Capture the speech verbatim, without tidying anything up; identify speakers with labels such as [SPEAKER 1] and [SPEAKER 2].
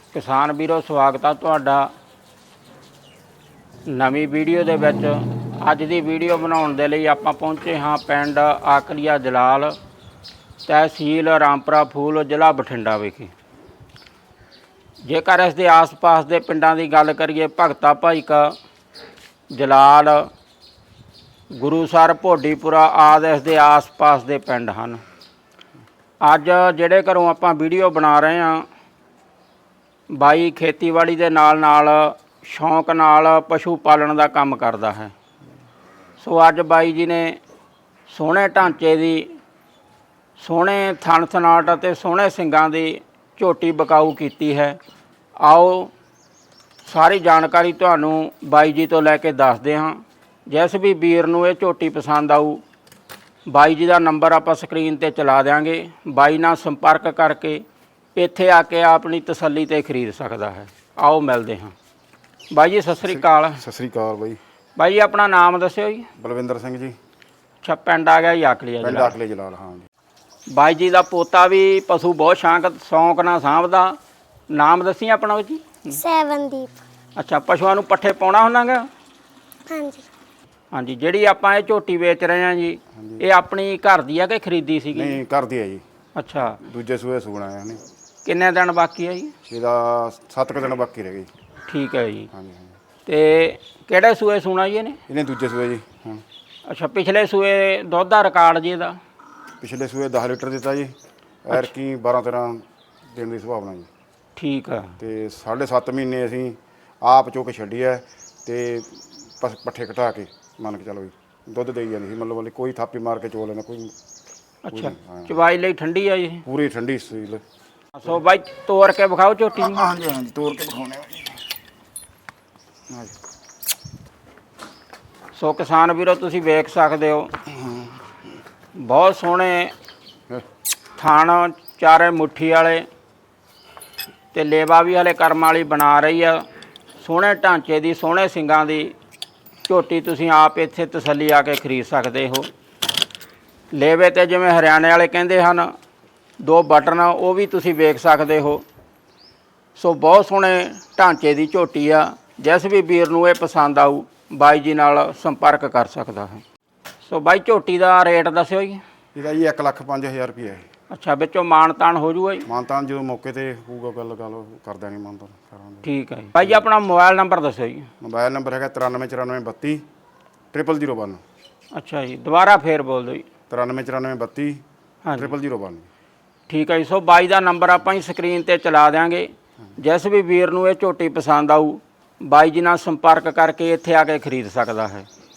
[SPEAKER 1] किसान वीरो स्वागत है तुहाडा नवी वीडियो दे विच। अज दी वीडियो बनाउण दे लई आपां पहुंचे हाँ पिंड आकलिया जलाल, तहसील रामपुरा फूल, जिला बठिंडा विखे। जेकर इस दे आस पास दे पिंडां दी गल करिए, भगता भाई का जलाल, गुरुसर, भोडीपुरा आदि इस दे आस पास दे पिंड हन। अज जिहड़े घरों आपां वीडियो बना रहे हैं, बाई खेतीबाड़ी दे नाल नाल शौक नाल पशु पालन का काम करता है। सो अज बाई जी ने सोहणे ढांचे दी, सोहणे थन थनाट ते सोहणे सिंगां दी झोटी बकाऊ कीती है। आओ सारी जानकारी तुहानूं बाई जी तो लैके दसदे हाँ। जिस भी वीर नूं ये झोटी पसंद आऊ, बाई जी का नंबर आपां स्क्रीन ते चला देंगे। बाई नाल संपर्क करके इत्थे आके अपनी तसल्ली ते खरीद सकता है। आओ मिलते हैं। बाई जी सत श्री अकाल।
[SPEAKER 2] सत श्री अकाल बाई।
[SPEAKER 1] बाई जी अपना नाम दस्यो जी।
[SPEAKER 2] बलविंदर सिंह जी।
[SPEAKER 1] अच्छा, पिंड आ गया जी आकलिया
[SPEAKER 2] पिंड
[SPEAKER 1] जलाल।
[SPEAKER 2] आकलिया जलाल, हाँ जी।
[SPEAKER 1] बाई जी का पोता भी पशु बहुत शौक शौक नाल साਂਭਦਾ। नाम दसी अपना जी।
[SPEAKER 3] सैवनदीप।
[SPEAKER 1] अच्छा, पशुओं नूं पट्ठे पाउणा हुंदा गा?
[SPEAKER 3] हाँ जी।
[SPEAKER 1] हाँ जी। जिहड़ी आपां ये झोटी वेच रहे हैं जी, ये अपनी घर दी है कि खरीदी सीगी?
[SPEAKER 2] नहीं, घर दी है जी।
[SPEAKER 1] अच्छा,
[SPEAKER 2] दूजे सूए सूਣਾ है।
[SPEAKER 1] किन्ने दिन बाकी है जी?
[SPEAKER 2] ਇਹਦਾ ਸੱਤ ਕੁ ਦਿਨ ਬਾਕੀ ਰਹਿ ਗਏ।
[SPEAKER 1] ठीक है जी।
[SPEAKER 2] ਹਾਂਜੀ ਹਾਂਜੀ।
[SPEAKER 1] ते किहड़े सूए सूਣਾ जी ने?
[SPEAKER 2] ਇਹਨੇ ਦੂਜੇ ਸੂਏ ਜੀ। ਹਾਂ,
[SPEAKER 1] अच्छा, पिछले सूए दुध का रिकॉर्ड जी ਇਹਦਾ?
[SPEAKER 2] ਪਿਛਲੇ ਸੂਏ ਦਸ ਲੀਟਰ ਦਿੱਤਾ ਜੀ। ਐਰਕੀ ਬਾਰਾਂ ਤੇਰਾਂ ਦਿਨ ਦੀ ਸੁਭਾਵਨਾ ਜੀ।
[SPEAKER 1] ठीक है।
[SPEAKER 2] ਤੇ ਸਾਢੇ ਸੱਤ ਮਹੀਨੇ ਅਸੀਂ ਆਪ ਚੋ ਕੇ ਛੱਡੀ ਹੈ ਤੇ ਪਸ- ਪੱਠੇ ਘਟਾ ਕੇ ਮੰਨ ਕੇ ਚਲੋ ਜੀ ਦੁੱਧ ਦੇਈ ਜਾਂਦੀ ਸੀ। ਮਤਲਬ ਕੋਈ ਥਾਪੀ ਮਾਰ ਕੇ ਚੋ ਲੈਣਾ ਕੋਈ।
[SPEAKER 1] अच्छा, चवाई ਲਈ ਠੰਡੀ ਆ ਜੀ?
[SPEAKER 2] ਪੂਰੀ ਠੰਡੀ ਸੀਲ।
[SPEAKER 1] ਸੋ ਬਾਈ ਤੋੜ ਕੇ ਵਿਖਾਓ ਝੋਟੀ ਨੂੰ।
[SPEAKER 2] ਹਾਂਜੀ ਹਾਂਜੀ, ਤੋੜ ਕੇ ਵਿਖਾਉਣੇ ਆ ਜੀ।
[SPEAKER 1] ਸੋ ਕਿਸਾਨ ਵੀਰੋ ਤੁਸੀਂ ਵੇਖ ਸਕਦੇ ਹੋ, ਬਹੁਤ ਸੋਹਣੇ ਥਣ, ਚਾਰੇ ਮੁੱਠੀ ਵਾਲੇ ਤੇ ਲੇਵਾ ਵੀ ਹਲੇ ਕਰਮ ਵਾਲੀ ਬਣਾ ਰਹੀ ਆ। ਸੋਹਣੇ ਢਾਂਚੇ ਦੀ, ਸੋਹਣੇ ਸਿੰਗਾਂ ਦੀ ਝੋਟੀ ਤੁਸੀਂ ਆਪ ਇੱਥੇ ਤਸੱਲੀ ਆ ਕੇ ਖਰੀਦ ਸਕਦੇ ਹੋ। ਲੇਵੇ ਤੇ ਜਿਵੇਂ ਹਰਿਆਣੇ ਵਾਲੇ ਕਹਿੰਦੇ ਹਨ ਦੋ ਬਟਨ, ਉਹ ਵੀ ਤੁਸੀਂ ਵੇਖ ਸਕਦੇ ਹੋ। ਸੋ ਬਹੁਤ ਸੋਹਣੇ ਢਾਂਚੇ ਦੀ ਝੋਟੀ ਆ। ਜਿਸ ਵੀ ਵੀਰ ਨੂੰ ਇਹ ਪਸੰਦ ਆਊ, ਬਾਈ ਜੀ ਨਾਲ ਸੰਪਰਕ ਕਰ ਸਕਦਾ ਹੈ। ਸੋ ਬਾਈ ਝੋਟੀ ਦਾ ਰੇਟ ਦੱਸਿਓ ਜੀ।
[SPEAKER 2] ਇਹਦਾ ਜੀ ਇੱਕ ਲੱਖ ਪੰਜ ਹਜ਼ਾਰ ਰੁਪਈਆ ਹੈ।
[SPEAKER 1] ਅੱਛਾ, ਵਿੱਚੋਂ ਮਾਣ ਤਾਣ ਹੋ ਜੂਗਾ ਜੀ?
[SPEAKER 2] ਮਾਨਤਾਨ ਜਦੋਂ ਮੌਕੇ ਤੇ ਹੋਊਗਾ ਗੱਲ ਗੱਲ ਕਰ ਦੇਣੀ ਮਾਨਤਾਨ ਕਰਾਂਗੇ।
[SPEAKER 1] ਠੀਕ ਹੈ ਜੀ। ਬਾਈ ਜੀ ਆਪਣਾ ਮੋਬਾਈਲ ਨੰਬਰ ਦੱਸਿਓ ਜੀ।
[SPEAKER 2] ਮੋਬਾਈਲ ਨੰਬਰ ਹੈਗਾ ਤਰਾਨਵੇਂ ਚੁਰਾਨਵੇਂ ਬੱਤੀ ਟ੍ਰਿਪਲ ਜ਼ੀਰੋ ਵਨ।
[SPEAKER 1] ਅੱਛਾ ਜੀ, ਦੁਬਾਰਾ ਫੇਰ ਬੋਲ ਦਿਓ ਜੀ।
[SPEAKER 2] ਤਰਾਨਵੇਂ ਚੁਰਾਨਵੇਂ ਬੱਤੀ
[SPEAKER 1] ਹਾਂਜੀ,
[SPEAKER 2] ਟ੍ਰਿਪਲ ਜ਼ੀਰੋ ਵਨ।
[SPEAKER 1] ਠੀਕ ਹੈ ਜੀ। ਸੋ ਬਾਈ ਦਾ ਨੰਬਰ ਆਪਾਂ ਹੀ ਸਕਰੀਨ ਤੇ ਚਲਾ ਦਿਆਂਗੇ। ਜਿਸ ਵੀ ਵੀਰ ਨੂੰ ਇਹ ਝੋਟੀ ਪਸੰਦ ਆਊ, ਬਾਈ ਜੀ ਨਾਲ ਸੰਪਰਕ ਕਰਕੇ ਇੱਥੇ ਆ ਕੇ ਖਰੀਦ ਸਕਦਾ ਹੈ।